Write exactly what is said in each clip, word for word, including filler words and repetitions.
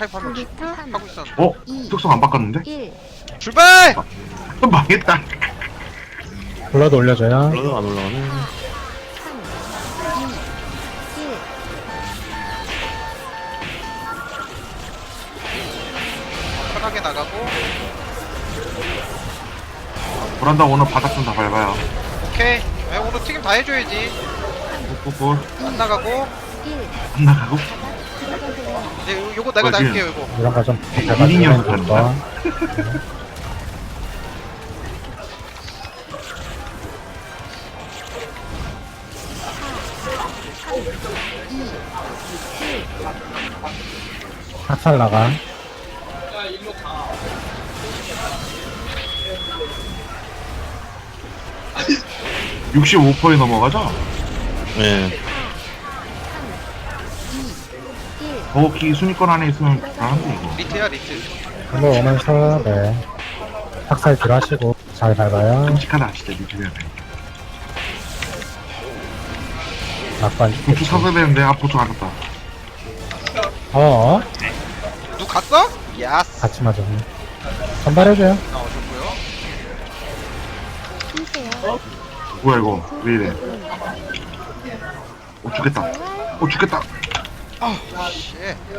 아카이브 한명 컴퓨터 하고 있었는데. 어? 특성 안 바꿨는데? 일. 출발! 또 망했다. 블러드 올려줘요. 블러드가 안 올라가네. 삼, 이, 일. 편하게 나가고. 브란다 오늘 바닥 좀 다 밟아요. 오케이. 야, 오늘 튀김 다 해줘야지. 꾹꾹꾹. 안 나가고. 일. 안 나가고. 들어가세요. 이제 요- 요거 내가 뭐지? 날게요, 요거. 이런 거좀 미니언 될 거. 학살 나가. 육십오 퍼센트에 넘어가죠? 네. 일. 버거키 순위권 안에 있으면 잘하는데 이거. 리트야, 리트. 이거 오면서 네 학살 딜하시고 잘 밟아요. 끔찍하다 진짜 미치겠네. 낙관 보충 사서 되는데 아 보충 안 했다. 어 누 갔어? 야스. 같이 맞았네. 전발해줘요. 아, 어셨고요. 쉬세요. 뭐야 이거 왜 이래? 어 죽겠다. 어 죽겠다. 아, 씨.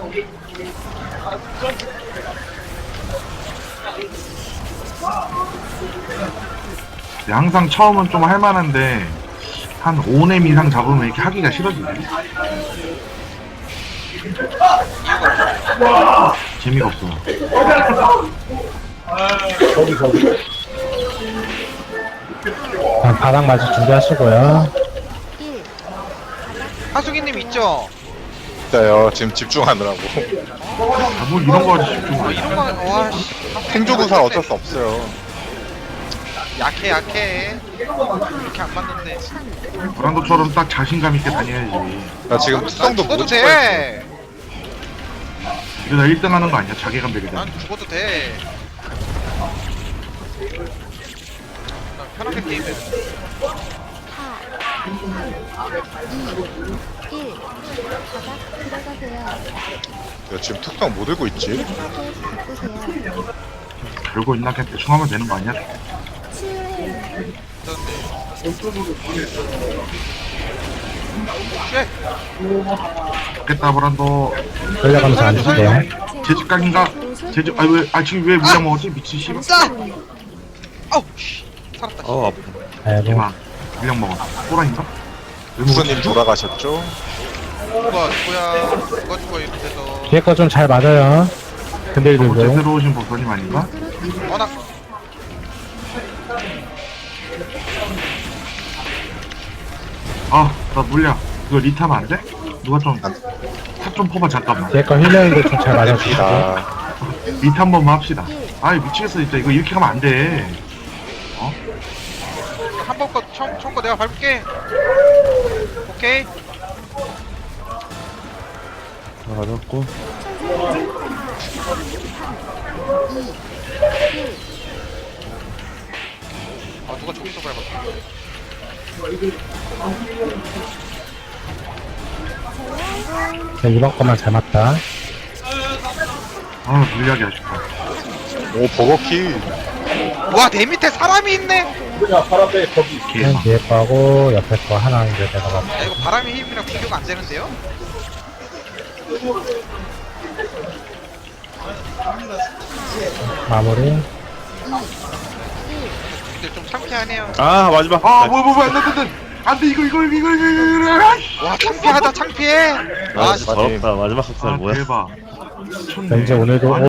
네, 항상 처음은 좀 할만한데 한 오 렘 이상 잡으면 이렇게 하기가 싫어지네. 재미가 없어. 그냥 바닥 맞을 준비하시고요. 일. 하수기님 있죠? 진짜요. 지금 집중하느라고. 아, 뭘 이런 거 하지 집중. 아, 이런 거, 와, 씨. 행조구사 어쩔 수 없어요. 약해, 약해. 이렇게 안 맞는데. 브란도처럼 딱 자신감 있게 다녀야지. 나 지금 난 특성도 죽어도 못 찍고 있어. 돼. 이러다 일 등 하는 거 아니야? 자괴감 되게 돼. 난 죽어도 돼. 난 편하게 게임해. 사. 이. 일. 바닥 들어가세요. 야, 지금 특성 못 들고 있지? 편하게 바꾸세요. 별거 있나 그냥 대충 하면 되는 거 아니야? 치유해요. 쉣! 좋겠다 브란도. 돌려가면서 안 줄게요. 제집각인가? 제집 아니 왜아 지금 왜 물량 먹었지? 미친 씨. 감싸! 아우, 씨. 살았다. 어, 아파. 아이고 이만 물량 먹었어. 호랑인가? 왜 부서님 먹었지? 돌아가셨죠? 누가 누구야? 누가 죽어 이렇게서. 뒤에 거 좀 잘 맞아요. 너무 근들들도. 제대로 오신 보선님 아닌가? 워낙 아 나 물량 그거 리타면 안 돼? 누가 좀 탑 좀 퍼봐 잠깐만. 뒤에 거 힐러인데 좀 잘 맞아주시고. 아, 리타 한 번만 합시다. 아이 미치겠어 진짜 이거 이렇게 하면 안 돼. 한 번 거 처음 처음 거 내가 밟을게. 오케이. 맞았고. 아 누가 저기서 밟았다. 자, 이번 거만 잘 맞다. 아 물량이 아쉽다. 오, 버거키. 와 내 밑에 사람이 있네. 개. 맨 뒤에 거하고 옆에 거 하나 이제 내가 맞 야 이거 바람의 힘이랑 비교가 안 되는데요? 마무리. 근데 좀 창피하네요. 아, 마지막. 아 뭐야 뭐야 안돼 안돼 안돼 이거 이거 이거 이거 이거 이거 이거 와 창피하다 창피해. 아, 아 진짜 더럽다. 마지막 학살 아 뭐야? 대박. 자, 이제 오늘도